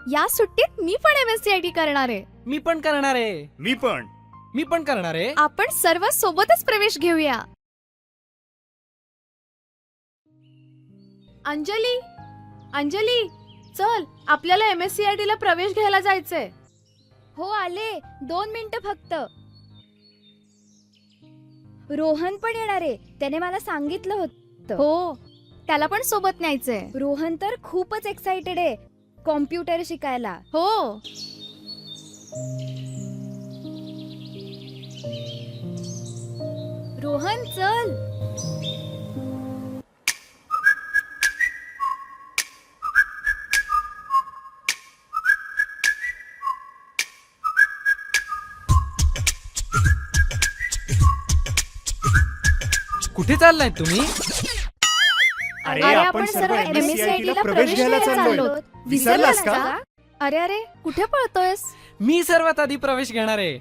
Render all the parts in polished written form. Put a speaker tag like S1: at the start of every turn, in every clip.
S1: या सुट्टीत मी पण MSCIT करणार आहे.
S2: मी पण करणार आहे.
S3: मी पण
S2: करणार आहे.
S1: आपण सर्व सोबतच प्रवेश घेऊया. अंजली, अंजली, चल आपल्याला MSCIT ला प्रवेश घ्यायला जायचंय.
S4: हो आले, 2 मिनिटं फक्त. रोहन पण येणार आहे, त्याने मला सांगितलं होतं.
S1: हो, त्याला पण सोबत न्यायचंय.
S4: रोहन तर खूपच एक्साइटेड आहे कॉम्प्युटर शिकायला.
S1: हो,
S4: रोहन चल.
S2: कुठे चाललाय तुम्ही?
S3: अरे
S4: आपण सर्व MSCIT ला प्रवेश घ्यायला चाललो.
S3: विसरलास का?
S1: अरे अरे, कुठे पळतोयस?
S2: मी सर्वात आधी प्रवेश घेणार आहे.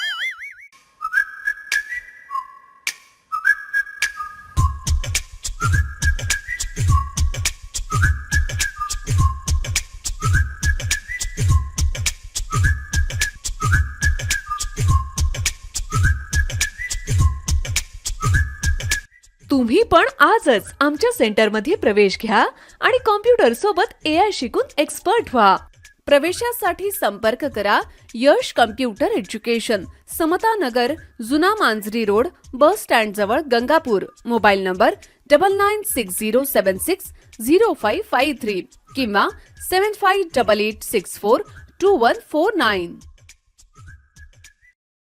S5: तुम्ही पण आजच आमच्या सेंटरमध्ये प्रवेश घ्या आणि कॉम्प्युटर सोबत AI शिकून एक्सपर्ट व्हा. प्रवेशासाठी संपर्क करा यश कम्प्युटर एज्युकेशन, समता नगर, जुना मांजरी रोड, बस स्टँड जवळ, गंगापूर. मोबाईल नंबर 9960760553 किंवा 7588642149.